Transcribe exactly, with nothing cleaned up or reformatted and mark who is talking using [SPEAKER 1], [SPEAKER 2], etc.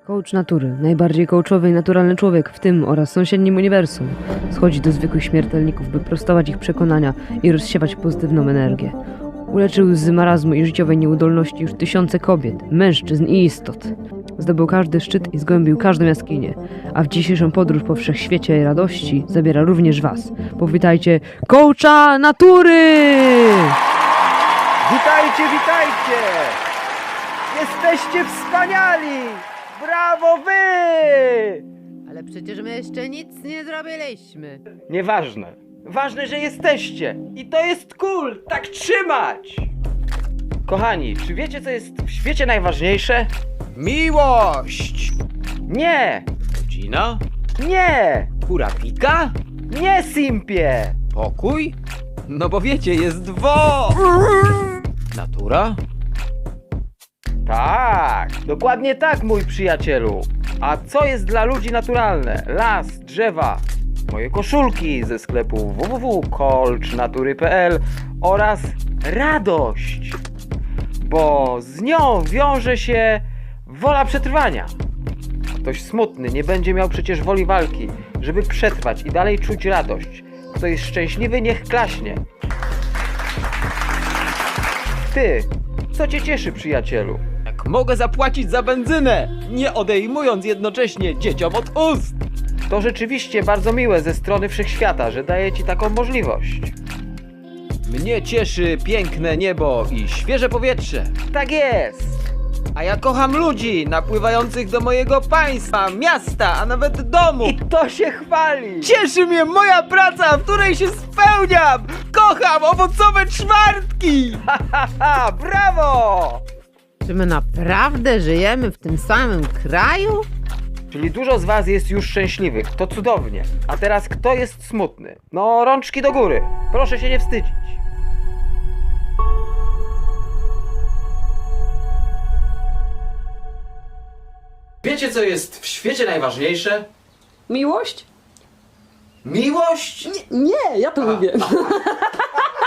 [SPEAKER 1] Coach natury, najbardziej coachowy i naturalny człowiek w tym oraz sąsiednim uniwersum, schodzi do zwykłych śmiertelników, by prostować ich przekonania i rozsiewać pozytywną energię. Uleczył z marazmu i życiowej nieudolności już tysiące kobiet, mężczyzn i istot. Zdobył każdy szczyt i zgłębił każdą jaskinię, a w dzisiejszą podróż po wszechświecie i radości zabiera również was. Powitajcie coacha natury!
[SPEAKER 2] Witajcie, witajcie! Jesteście wspaniali! Brawo wy!
[SPEAKER 3] Ale przecież my jeszcze nic nie zrobiliśmy.
[SPEAKER 2] Nieważne. Ważne, że jesteście. I to jest cool! Tak trzymać! Kochani, czy wiecie, co jest w świecie najważniejsze?
[SPEAKER 4] Miłość!
[SPEAKER 2] Nie!
[SPEAKER 4] Rodzina?
[SPEAKER 2] Nie!
[SPEAKER 4] Kurapika?
[SPEAKER 2] Nie, simpie!
[SPEAKER 4] Pokój? No bo wiecie, jest dwo! Natura?
[SPEAKER 2] Tak, dokładnie tak, mój przyjacielu. A co jest dla ludzi naturalne? Las, drzewa, moje koszulki ze sklepu w w w kropka coach natury kropka p l oraz radość, bo z nią wiąże się wola przetrwania. Ktoś smutny nie będzie miał przecież woli walki, żeby przetrwać i dalej czuć radość. Kto jest szczęśliwy, niech klaśnie. Ty, co cię cieszy, przyjacielu?
[SPEAKER 4] Jak mogę zapłacić za benzynę, nie odejmując jednocześnie dzieciom od ust?
[SPEAKER 2] To rzeczywiście bardzo miłe ze strony wszechświata, że daje ci taką możliwość.
[SPEAKER 4] Mnie cieszy piękne niebo i świeże powietrze.
[SPEAKER 2] Tak jest!
[SPEAKER 4] A ja kocham ludzi napływających do mojego państwa, miasta, a nawet domu.
[SPEAKER 2] I to się chwali!
[SPEAKER 4] Cieszy mnie moja praca, w której się spełniam! Kocham owocowe czwartki!
[SPEAKER 2] Ha, ha, ha! Brawo!
[SPEAKER 3] Czy my naprawdę żyjemy w tym samym kraju?
[SPEAKER 2] Czyli dużo z was jest już szczęśliwych, to cudownie. A teraz kto jest smutny? No, rączki do góry. Proszę się nie wstydzić.
[SPEAKER 4] Wiecie, co jest w świecie najważniejsze?
[SPEAKER 5] Miłość?
[SPEAKER 4] Miłość?
[SPEAKER 5] Nie, ja to mówię.